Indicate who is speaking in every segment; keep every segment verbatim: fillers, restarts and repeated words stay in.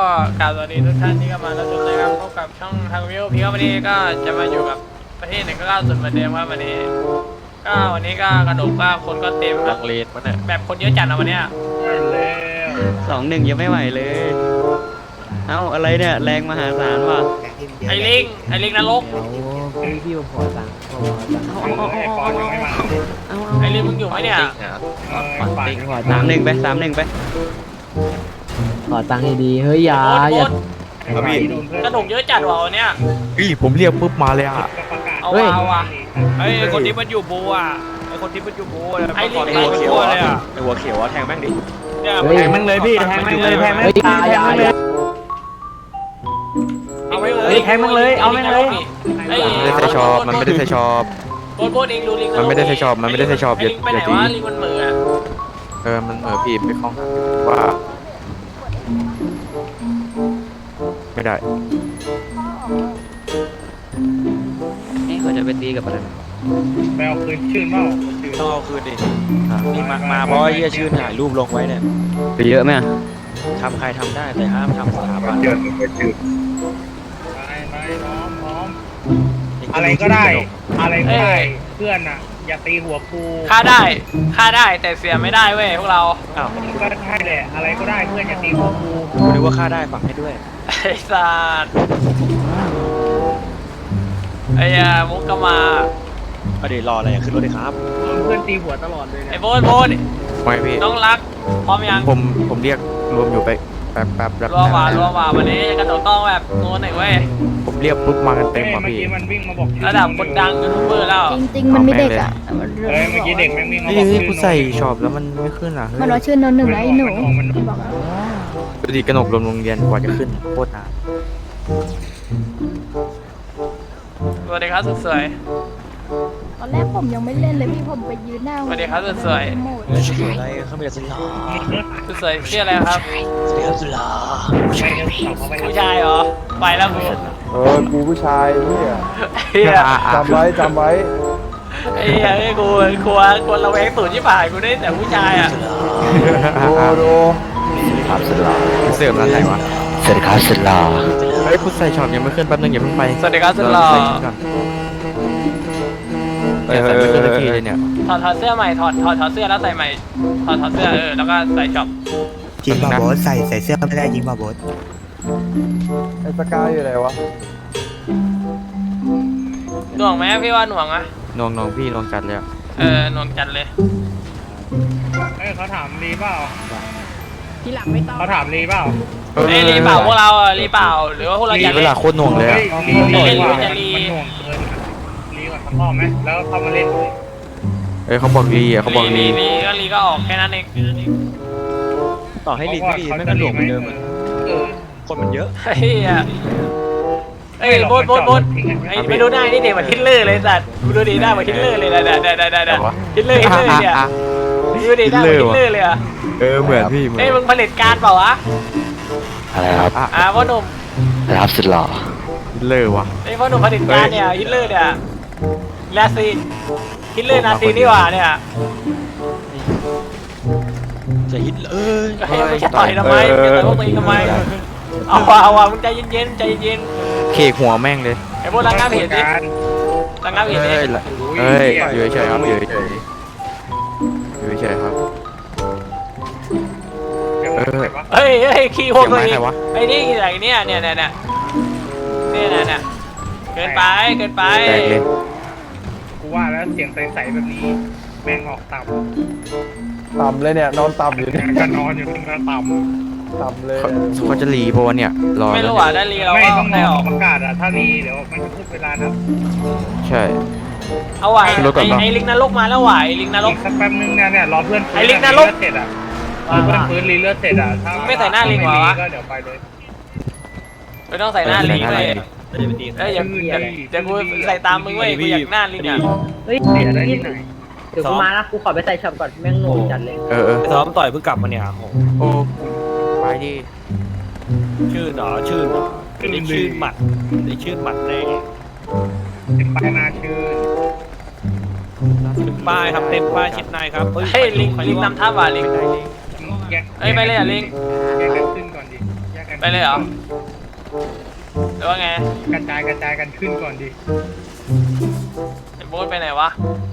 Speaker 1: กล่าวสวัสดีทุกท่านที่เข้ามารับชมนะครับพบกับช่องทางวิวพีครับวันนี้ก็จะมาอยู่กับประเทศหนึ่งก็ล่าสุดเหมือนเดิมครับวันนี้ก็วันนี้ก็กระดกก็คนก็เต็มลังเลนมันเนี่ยแบบคนเยอะจัดนะวันเนี้ย
Speaker 2: สองหนึ่งยังไม่ไหวเลย เอ้าอะไรเนี่ยแรงมหาศาลว่ะ
Speaker 1: ไอ้ลิงไอ้ลิงนรก
Speaker 3: พี่พี่ผมขอตังค์ผมขอตังค์
Speaker 2: เอาเอาเอาเอาเอา
Speaker 1: ไอ้ลิงมึงอยู่ไหมเนี่ย
Speaker 3: ขอตังค์ขอ
Speaker 2: สา
Speaker 3: ตัง
Speaker 2: ม
Speaker 3: ค์
Speaker 2: หนึ่งไปสามหนึ่งไป
Speaker 3: ขอตังค์ดีๆเฮ้ยอย่า
Speaker 1: โอ๊ต
Speaker 3: อย่า
Speaker 1: โอ๊ตกระดกเยอะจัดว่ะวันเนี้ย
Speaker 4: พี่ผมเรียกปุ๊บมาเลยอ่ะ
Speaker 1: เอาว่ะเอาว่ะ
Speaker 5: ไอ้คนที่มันอยู่บูอ่ะไอ้คนที่มันอยู่บูอ่ะ
Speaker 1: ไอ้ลิง
Speaker 5: ไอ้หัวเขียวเลยอ่ะ
Speaker 2: ไอหัวเขียวแทงแม่งดิ
Speaker 5: เนี่ย
Speaker 3: เฮ้ย
Speaker 5: แทงแม่งเลยพี่แทงแม่งเลยแทงแม่ง
Speaker 3: เฮ้ยอย่าอย่าอย่า
Speaker 1: เอาไว้เลย
Speaker 5: เฮ้ยแทงแม่งเลยเอาแม่งเลย
Speaker 1: ไอ้
Speaker 4: มันไม่ได้ใส่ชอบมันไม่ได้ใส่ชอบ
Speaker 1: โบนโบนเองดูลิง
Speaker 4: มันไม่ได้ใส่ชอบมันไม่ได้ใส่ชอบ
Speaker 1: ไอ้ลิงไปไหน
Speaker 4: อย่าตี
Speaker 1: วะลิงมันเหมือ
Speaker 4: เออมันเออพี่ไปคล้องว่าไม่ได้
Speaker 2: นี่เขาจะไปตีกับอะไร
Speaker 6: ไปเอาคืนชื่นเปล่า
Speaker 5: ต้องเอาคืนดินี่มามาเพราะไอ้เหี้ยชื่นถ่ายรูปลงไว้เนี่ย
Speaker 2: ไปเยอะไหมอะ
Speaker 5: ทำใครทำได้แต่ห้ามทำสถาบัน
Speaker 6: ไปไปพร้อมพร้อมอะไรก็ได้ อะไรก็ได้ เพื่อนอ่ะ อย่าตีหัวกู
Speaker 1: ฆ่าได้ฆ่าได้แต่เสียไม่ได้เว้ยพวกเรา
Speaker 5: อ้าว
Speaker 6: ก็ใช่แหละ อะไรก็ได้เพื่อนอย่าตีหัวกู
Speaker 5: กูนึกว่าฆ่าได้ฝังให้ด้วย
Speaker 1: ไอ้สัตว์ไอ้ยามุกก็มา
Speaker 5: เอาดี๋ยวรออะไรอ่ะขึ้นรถเลยครับ
Speaker 6: โดนเพื่อนตีหัวตลอดเลย
Speaker 1: ไอ้
Speaker 6: เนี่ย
Speaker 1: โบนโบน
Speaker 4: ไม่พี่
Speaker 1: น้องรักพร้อมยัง
Speaker 4: ผมผมเรียกรวมอยู่ไปแป๊บแป๊บแป๊บ
Speaker 1: รัวว่ารัวว่าวันนี้กระโดดต้องแบบโน้นหน่อยเว้ย
Speaker 4: ผมเรียกปุ๊บมากันเต็ม
Speaker 6: เฮ้ย
Speaker 4: อ่ะ
Speaker 6: เมื่อ
Speaker 4: พี่
Speaker 6: กี้มันวิ่งมาบอกชื่อ
Speaker 1: ระดับคนดังยูทูบเบอร์แล้ว
Speaker 7: จริงๆ มันไม่เด็กอ่ะมัน
Speaker 6: เฮ้ยเมื่อกี้เด็กแม่งวิ่งมา
Speaker 4: นี่
Speaker 6: บอก
Speaker 4: นี่
Speaker 6: ชื่อ
Speaker 4: กูใส่ชอบแล้วมันไม่ขึ้นอ่ะเฮ้ย
Speaker 7: มันว่าชื่อนนหนึ่งนะไอ้หนูบอกอะ
Speaker 4: ดูดิกระหนกรวมโรงเรียนกว่าจะขึ้นโคตรนาน
Speaker 1: สวัสดีครับสุดสวย
Speaker 7: ตอนแรกผมยังไม่เล่นเลยพี่ผมไปยืนหน้า
Speaker 1: สวัสดีครับสุดสวย
Speaker 7: โหมด
Speaker 5: เฮ้ยสวยอะไรเขาไม่ได้สุดหล่อ
Speaker 1: สุดสวยชื่ออะไรครับ
Speaker 5: สวัสดีครับสุดหล่อ
Speaker 6: ไปเดินเขาไป
Speaker 1: ผู้ชายเหรอไปแล้วกู
Speaker 8: เออกูผู้ชายเนี่ย
Speaker 1: เฮีย
Speaker 4: อ่ะอ่ะ
Speaker 8: จำไว้จำไว้
Speaker 1: ไอ้เฮียไอ้กูกลัวกลัวระแวงตูดที่ผ่านกูได้แต่ผู้ชายอ่ะ
Speaker 8: ดูดู
Speaker 4: ครับสุดหล่อเสื่อมร้านไหนวะ
Speaker 2: สวัสดีครับสุดหล่อ
Speaker 4: เฮ้ยกูใส่ชอบยังไม่ขึ้นแป๊บนึงอย่าเพิ่งไป
Speaker 1: สวัสดีครับสุดหล่อ
Speaker 4: ใส่ชุดก่อนเนี่ยใส่ไม่ขึ้นสักทีเลยเนี่ย
Speaker 1: ถอดถอดเสื้อใหม่ถอดถอดถอดเสื้อแล้วใส่ใหม่ถอดถอดเสื้อเออแล้วก็ใส่ช็อป
Speaker 9: จริงป่ะโบสใส่ใส่เสื้อไม่ได้จริงป่ะโบส
Speaker 8: ไอ้สกายอยู่ไหนวะ
Speaker 1: หน่วงไหมพี่ว่าหน่วงอะ
Speaker 4: นองนองพี่นองจัดเลยอะ
Speaker 1: เออหน่วงจัดเลย
Speaker 6: เฮ้ยเขาถามรีเปล่า
Speaker 7: ทีหลังไม่ต้อง
Speaker 6: เขาถามรีเปล่า
Speaker 1: เอ้ยรีเปล่าพวกเราอะรีเปล่าหรือว่าพวกเรา
Speaker 4: รี
Speaker 1: จะ
Speaker 4: เวลาโคตรหน่วงเลย
Speaker 6: เฮ้
Speaker 4: อะ
Speaker 6: ยรีรี
Speaker 1: เล่น
Speaker 6: กว่า
Speaker 1: หรือ
Speaker 6: มัน
Speaker 1: จะรี
Speaker 6: มันหน่วงเกินอะรีกว่าสักรอบไหมแล้วเข้ามาเล่น
Speaker 4: เอ้ยเขาบอกรีอ่ะเขาบอก
Speaker 1: รี
Speaker 4: รี
Speaker 1: รีก็รีก็ออกแค่นั้นเอง
Speaker 5: ต่อให้ลีกไม่ดีไม่กระหลวมเหมือนเดิมอ่ะ
Speaker 6: เออ
Speaker 5: คนมันเยอะ
Speaker 1: เฮ้ยอะเอ้ยโบนโบนโบนไอ้ไม่ดูหน้านี่เด็กเหมือนฮิตเลอร์เลยสัตว์ดูดีหน้าเหมือนฮิตเลอร์เลยนะนะนะนะนะนะฮิตเลอร์ฮิตเลอร์เนี่ย
Speaker 4: อ่ะ
Speaker 1: ดูดีหน้าเหมือนฮิตเลอร์เลยอะ
Speaker 4: เออเหมือนพี่เหมือน
Speaker 1: เอ้ยมึงผลิตการเปล่าวะ
Speaker 2: อะไรครับ
Speaker 4: อ่ะ
Speaker 1: อ่าพ่อหนุ่ม
Speaker 2: รับสุดหล่อ
Speaker 4: เลอวะ
Speaker 1: ไอ้พ่อหนุ่มผลิตการเนี่ยฮิตเลอร์เนี่ยนาซีฮิตเลอร์นาซีนี่หว่าเนี่ย
Speaker 5: จะฮิตเลย
Speaker 1: เฮ้ยมึงจะต่อยทำไมมึงจะต่อยพวกตัวเองทำไมเอาว่ะเอาว่ะมึงใจเย็นๆใจเย็น
Speaker 4: เคกหัวแม่งเลย
Speaker 1: ไอ้พวกรังงานเพจดิรังงานเพจดิ
Speaker 4: เอ้ยละเอ้ยอยู่เฉยๆครับอยู่เฉยๆอยู่เฉยๆครับ
Speaker 6: ยังไงวะ
Speaker 1: เฮ้ยเฮ้ยขี้พวกตัวเอ
Speaker 4: เสียง
Speaker 1: ง
Speaker 4: ไม้ใครวะ
Speaker 1: ไอ้นี่อะไรเนี่ยเนี่ยเนี่ยเนี่ยเนี่ยเนี่ยเนี่ยเกินไปเกินไป
Speaker 4: แตกเลย
Speaker 6: กูว่าแล้วเสียงใสๆแบบนี้แม่งออกต่
Speaker 8: ต่ำเลยเนี่ยนอนต่ำอยู่เนี่ย
Speaker 6: ำก็นอนอยู่ตรงนั้นต่ำ
Speaker 8: ต่ำเลย
Speaker 4: เขาเขาจะรีปะวะเนี่ยรอ
Speaker 1: ไม่
Speaker 4: แล้ว
Speaker 1: รู้
Speaker 4: เนี่ย
Speaker 1: ว่าได้รีเรา
Speaker 6: ไม่
Speaker 1: ก็
Speaker 6: ต้องร
Speaker 1: ได้อ
Speaker 6: อ
Speaker 1: อก
Speaker 6: ประกาศอะถ้ารีเดี๋ยวมันจะพูดเวลานะ
Speaker 4: ใช่
Speaker 1: เอาว่ะ
Speaker 4: ขึ้นรถก่อน
Speaker 1: ไอ้
Speaker 4: ปะ
Speaker 1: ไอ้ลิงนรกมาแล้วว่ะไอ้ลิงนร
Speaker 6: อี
Speaker 1: ก
Speaker 6: กสักแป๊บนึงนะเนี่ยรอเพื่อนฟื้
Speaker 1: ไอ้ลิงนรก
Speaker 6: เลือดเสร็จอะรอเพื่อนฟื้นรีเลือดเสร็จอะถ้า
Speaker 1: ไม่ใส่หน้าลิงเหรอวะ
Speaker 6: ก็เดี๋ยวไปเลย
Speaker 1: ไม่ต้องใส่หน้าลิงเลย
Speaker 5: ไม่ได้ไปตี
Speaker 1: เอ้ยอย่าอย่าอย่ากูใส่ตามมึงเว้ยกูอยากหน้าลิงอ่ะ
Speaker 3: เฮ้ย
Speaker 6: เสียได้ที่ไหน
Speaker 3: เดี๋ยวกูมานะกูขอไปใส่ช็อปก่อนแม่งหนูจัดเลย
Speaker 4: เออเออ
Speaker 5: ไปซ้อมต่อยเพิ่งกลับมาเนี่ยโอ้โห
Speaker 4: โอ้ไปดิ
Speaker 5: ชื่นเหรอชื่นเหรอได้ชื่นหมัดได้ชื่นหมัดแน่
Speaker 6: เป็นป้ายหน้าชื่น
Speaker 5: ถึงป้ายครับเต็มป้ายชิดในครับ
Speaker 1: เฮ้ยลิงลิงนำท่าว่ะลิง
Speaker 6: แยก
Speaker 1: เอ้ยไปเลยอ่ะลิง
Speaker 6: แยกกันขึ้นก่อนดิแยกกัน
Speaker 1: ไปเลยเหรอหรือว่าไง
Speaker 6: กระจายกระจายกันขึ้นก่อนดิ
Speaker 1: ไอ้โบ๊ทไปไหนวะ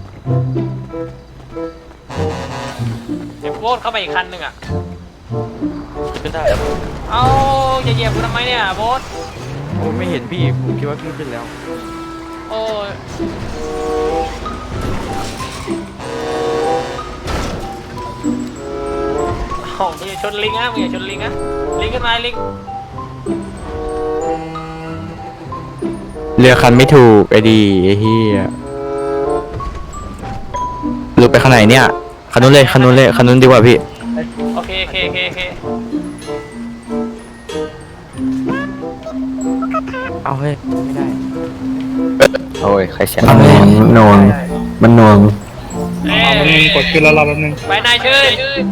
Speaker 1: ไอ้โบ๊ทเข้าไปอีกคันหนึ่งอ่ะ
Speaker 4: ขึ้นได้
Speaker 1: เอ้าอย่าเหยียบกูทำไมเนี่ยโบ๊ท
Speaker 4: ผมไม่เห็นพี่ผมคิดว่าพี่ขึ้นแล้ว
Speaker 1: โอ้ยโอ้มึงอย่าชนลิงนะมึงอย่าชนลิงนะลิงขึ้นมาลิง
Speaker 4: เรือคันไม่ถูกไอ้ดีไอ้เหี้ยหลุดไปข้างไหนเนี่ยคันนู้นเลยคันนู้นเลยคันนู้นดีกว่าพี่
Speaker 1: โอเคโอเคโอเคโอเค
Speaker 4: เอาเฮ้ยไม่ได้
Speaker 9: โอ้ยใครเสียง
Speaker 8: มันนวงมันนวง
Speaker 1: เอ้
Speaker 6: เอาแป๊บนึงกดขึ้นแล้วรอแป๊บนึง
Speaker 1: ไปนายชื่อ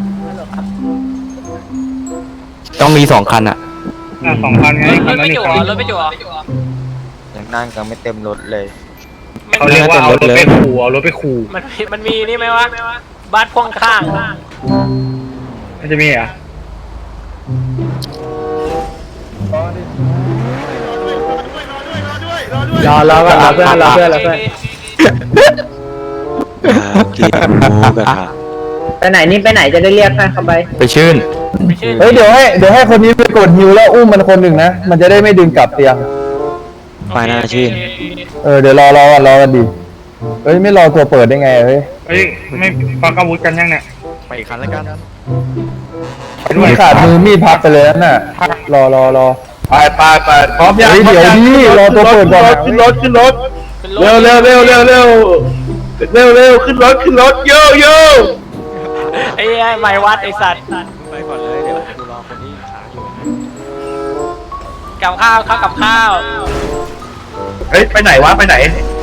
Speaker 4: ต้องมีสองคันอะ
Speaker 6: อ่ะสองพันไง
Speaker 1: ร
Speaker 6: คั
Speaker 1: ถ
Speaker 6: นนั้
Speaker 1: ไม่
Speaker 6: นอี
Speaker 1: จุ๋
Speaker 6: ก
Speaker 1: อ
Speaker 6: คัน
Speaker 1: รถไม่จุ๋อ
Speaker 9: ยังนั่งกันไม่เต็มรถเลย
Speaker 6: เขาเรียกว่าเอารถไปขู่เอารถไปขู่
Speaker 1: มันมันมีนี่ไหมวะบัสพ่วงข้าง
Speaker 6: มันจะมีเหรอ่ะ
Speaker 3: รอรอก่อนรอเพื่อนรอเพื่อนรอเพื่อน
Speaker 9: กินหมูกระทะ
Speaker 3: ไปไหนนี่ไปไหนจะได้เรียกให้เขาไป
Speaker 4: ไปชื่น
Speaker 1: ไม่ชื่อ
Speaker 8: เฮ้ยเดี๋ยวให้เดี๋ยวให้คนนี้ไปกดฮิวแล้วอุ้มมันคนหนึ่งนะ มันจะได้ไม่ดึงกลับเตียง
Speaker 9: ไปหน้าชื่น
Speaker 8: เออเดี๋ยวรอรอกันรอกันดิเฮ้ยไม่รอตัวเปิดได้ไงเฮ้ย
Speaker 6: เฮ้ยไม่ฟังอาวุธกันยังเนี่ย
Speaker 4: ไปอีกคันแล้วกัน
Speaker 6: ไปด้ว
Speaker 8: มั
Speaker 6: ย
Speaker 8: นขาดมือมีดพับไปเลยนั่นน่ะรอรอรอ
Speaker 6: ไปไปไปพร้อมยัง
Speaker 8: เฮ้ยเดี๋ยวดิรอตัวเปิดก่อนนะ
Speaker 6: ขึ้นรถขึ้นรถ
Speaker 1: เป็นร
Speaker 6: เร็ว
Speaker 1: ถ
Speaker 6: เร็วเร็วเร็วเร็วเร็วเร็วขึ้นรถขึ้นรถโยโย่
Speaker 1: ไอ้ไอ้ไม้วัดไอ้สัตว์
Speaker 5: ไปก่อนเลยเดี๋ยวดูรอคนที่ขาอยู่
Speaker 1: กับข้าวข้าวกับข้าว
Speaker 6: เฮ้ยไปไหนวะไปไหน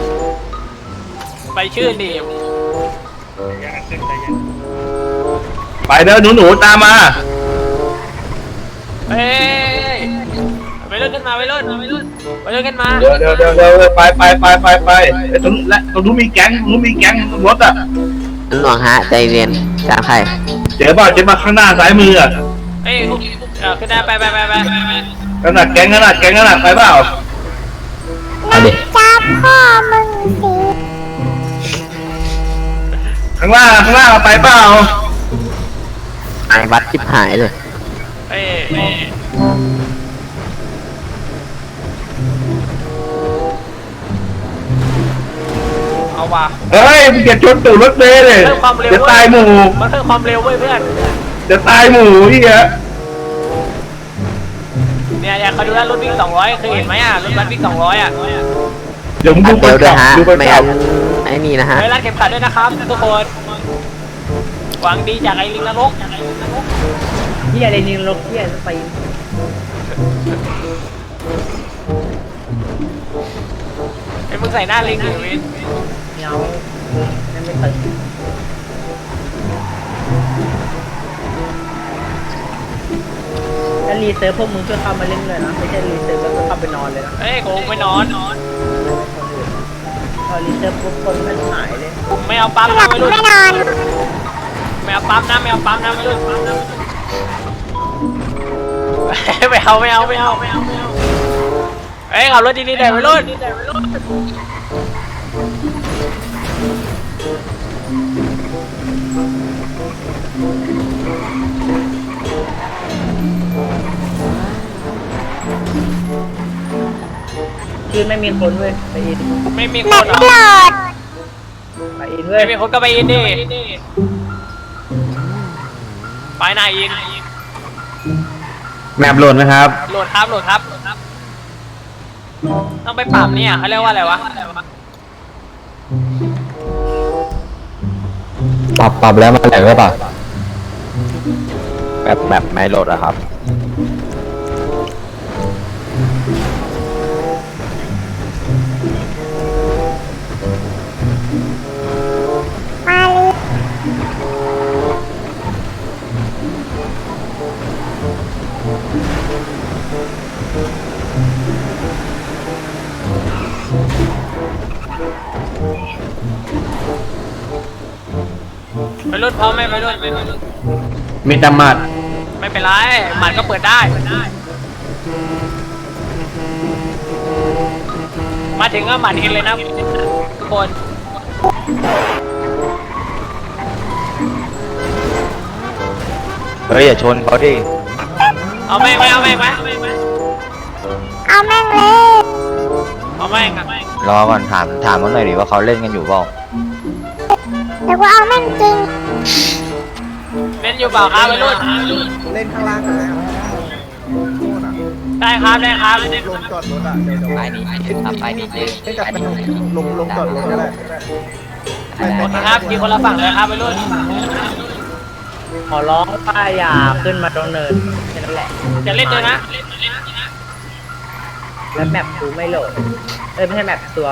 Speaker 1: ไปชื่อดิ
Speaker 6: ไปเด้อหนูหนูตามมา
Speaker 1: เฮ้ยไปเลื่อนขึ้นมาไปเลื่อนไปเลื่อนไปเลื่อนขึ้นมา
Speaker 6: เดี๋ยวเดี๋ยวเดี๋ยวเดี๋ยวไปไปไปไปไปไอ้ตรงและตรงนู้นมีแก๊งตรงนู้นมีแก๊งรถอ่ะ
Speaker 3: หลวงฮะใจเย็นตามใคร
Speaker 6: เจ๊บ้าเจ๊มาข้างหน้าซ้ายมืออ่ะ
Speaker 1: เฮ้ยเออขึ้นได้ไปไปไปไปไป
Speaker 6: ขนาดแก๊งขนาดแก๊งขนาดไปเปล่า
Speaker 3: เอาดิ
Speaker 6: ข้างล่างข้างล่างไปเปล่า
Speaker 3: ไอ้วัดชิบหายเลย
Speaker 1: เฮ้ยเอาว่ะ
Speaker 6: เฮ้ยมึงอย่าชนตูดรถเมล์เลย
Speaker 1: เพิ่มความเร็ว
Speaker 6: จะตายหมู่
Speaker 1: มันเพิ่มความเร็วเว้ยเพื่อน
Speaker 6: จะตายหมู่พี่ฮะ
Speaker 1: เนี่ยอยากเขาดูแลรถวิ่งสองร้อยเคยเห็นไหมอ่ะรถบัสวิ่งสองร้อยอ่ะ
Speaker 6: เดี๋ยวมึงดูคนขับดูคนขับ
Speaker 3: ไอ้นี่นะฮะ
Speaker 1: เฮ้ยรัดเข็มขัดด้วยนะครับทุกคนหวังดีจากไอ้ลิงนรก
Speaker 3: เฮียอะไรนี่ลกเฮียไป
Speaker 1: ไอ้มึงใส่หน้าลิงหรือวิน
Speaker 3: เงาไม่ไม่ตึงถ้ารีเซิร์ฟพวกมึงก็เข้ามาเล่นเลยนะไม่ใช่รีเซิร์ฟก็เข้าไปนอนเลยนะ
Speaker 1: เฮ้ยกูไม่นอน
Speaker 3: พอรีเซิร์ฟพวกคนมันหายเลย
Speaker 1: ไม่เอาปั๊มนะไม่รุ่นไม่นอนไม่เอาปั๊มนะไม่เอาปั๊มนะไม่รุ่นไม่เอาไม่เอาไม่เอาไม่เอาไม่เอาเฮ้ยขับรถดีๆเดี๋ยวไม่รุ่น
Speaker 3: คืนไม่มีคนเว้ยไปอิน
Speaker 1: ไม่มีคนเหรอ
Speaker 3: ไปอินเว้ย
Speaker 1: ไม่มีคนก็ไปอินดิไปไหนอิน
Speaker 8: แมปโหลดไหมครับ
Speaker 1: โหลดครับโหลดครับโหลดครับต้องไปปรับเนี่ยเขาเรียกว่าอะไรวะ
Speaker 8: ปรับปรับแล้วมันแหลกหรือเปล่า
Speaker 9: แบบแบบไม่โหลดอะครับ
Speaker 1: ไปรุ่นพร้อมไหมไปรุ่นไปรุ่น
Speaker 8: มีตำมัด
Speaker 1: ไม่เป็นไรหมัดก็เปิดได้มาถึงก็หมัดเห็นเลยนะทุกคน
Speaker 9: เฮ้ยอย่าชนเขาดิ
Speaker 1: เอาแม่งไหมเอาแม่งไหม
Speaker 7: เอาแม่งเลย
Speaker 1: เอาแม่งครับ
Speaker 9: รอก่อนถามถามเขาหน่อยดิว่าเขาเล่นกันอยู่เปล่า
Speaker 7: แต่ว่าเอาแม่งจริง
Speaker 1: เล่นอยู่เปล่าครับวัยรุ่น
Speaker 10: เล่นข้างล่างกันแล้ว
Speaker 1: ได้ครับได้ครับ
Speaker 10: ลงจอดรถอ่ะเดี๋ยวเดี๋ยว
Speaker 2: ไปนี่ทำไปนี่เลย
Speaker 10: เล่นกับสนุกลงลงจอดรถก็ได้
Speaker 1: โอเคครับกินคนละฝั่งเลยครับวัยรุ่น
Speaker 3: ขอร้องป้าอย่าขึ้นมาตรงเนินแค่นั้นแหละ
Speaker 1: จะเล่นเลยนะ
Speaker 3: แล้วแมปกูไม่โหลดเอ้ยไม่ใช่แมปตัว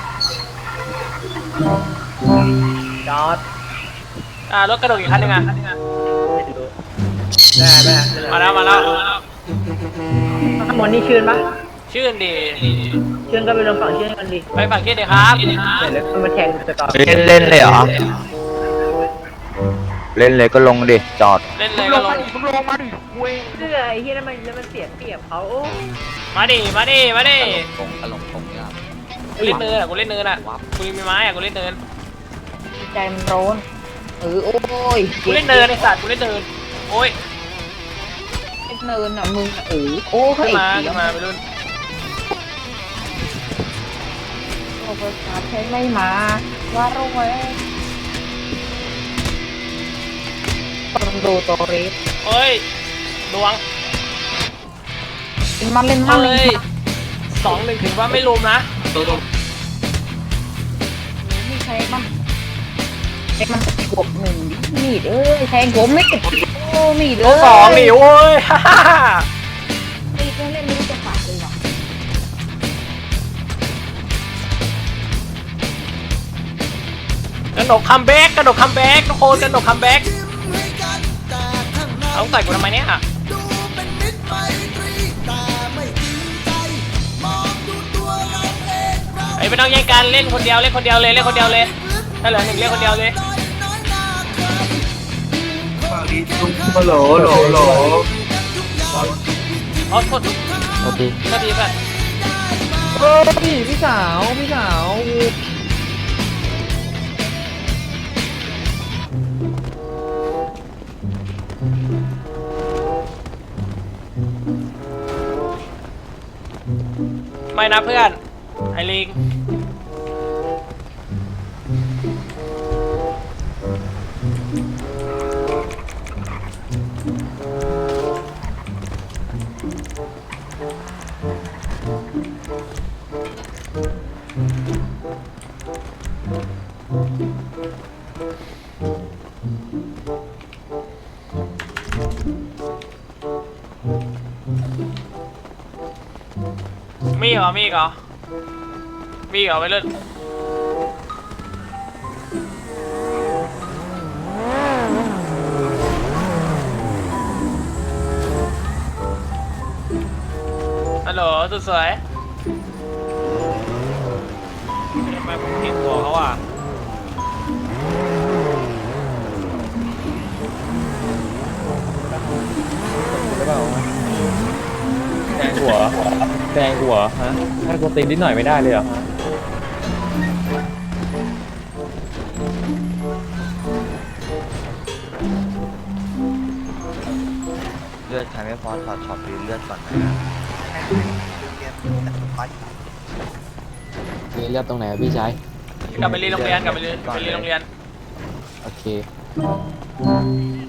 Speaker 3: จอด
Speaker 1: อ่ารถกระโดดอีกคันหนึงอ่ะ
Speaker 3: ไม่รู้ได้ไหม
Speaker 1: มาแล้วมาแล้ว
Speaker 3: ข้างบนนี่ชื่นปะ
Speaker 1: ชื่นดี
Speaker 3: ชื่นก็ไปลงฝั่งชื่นกันดิ
Speaker 1: ไปฝั่งชื่นดีครับ
Speaker 3: เดี๋ยวแล้วมาแทงสตอ
Speaker 9: เล่นเล่นเลยเหรอ เล่นเลยก็ลงดิจอด
Speaker 1: เล่นเลยก็ลง
Speaker 3: เสื้อไอ้ที่นั่นมันแล้วมันเสียเปรียบเขาโอ้
Speaker 1: มาดิมาดิมาดิ
Speaker 2: ตรงตลงตรงเนี่ย
Speaker 1: กูเล่นเนินอ่ะกูเล่นเนินอ่ะกูมีไม้อ่ะกูเล่นเนิน
Speaker 7: ใจมันร้อนเออโอ้ย
Speaker 1: กูเล่นเนินไอ้สัตว์กูเล่นเนินโอ้ย
Speaker 7: เนินอ่ะมึงเออโอ้
Speaker 1: ขึ้น
Speaker 7: ย
Speaker 1: มาขึ้นมาไปรุ่น
Speaker 7: โอ้ประชาใช้ไม่มาว่าโรยต้องดูตัวเรส
Speaker 1: เฮ้ยดวง
Speaker 7: เป็นมันเล่นมันเล
Speaker 1: เฮ้
Speaker 7: ย
Speaker 1: ยสองหนึ่งถึงว่าไม่ลุมนะ
Speaker 7: นี่ใช้มันใช้มันบวกหนึ่งมีดเอ้ยแทงผมไม่ติดโอ้มีด
Speaker 1: ตัวสองหนิโว้ย
Speaker 7: มีดเล่นไม่รู้จะปัดเลยหรอก
Speaker 1: กระโดดคัมแบ็กกระโดดคัมแบ็กทุกคนกระโดดคัมแบ็กเอาใส่กูทำไมเนี่ยไอ้ไม่ต้องแย่งกันเล่นคนเดียวเล่นคนเดียวเลยเล่นคนเดียวเลยถ้าเหลือหนึ่งเล่นคนเดียวเลย
Speaker 6: ฮัลโหลโหลโหล
Speaker 1: เอาโทษ
Speaker 2: โอเค
Speaker 1: โทษทีก่อน
Speaker 3: โอ้พี่พี่สาวพี่สาว
Speaker 1: ไม่นะเพื่อนไอ้ลิงมีเหรอมีเหรอมีเหรอไปเล่นฮัลโหลสุดสวย
Speaker 5: ทำไมผมเห็นหัวเขาอ่ะ
Speaker 8: แทงหัวแทงหัวฮะให้กูตีนิดหน่อยไม่ได้เลยเหรอ
Speaker 9: เลือดใครไม่พอถอดช็อตดูเลือดก่อนนะ
Speaker 3: มีเลือดตรงไหนพี่ชาย
Speaker 1: กลับไปเรียนโรงเรียนกลับไปเรียนไปเรียนโรงเรียน
Speaker 3: โอเค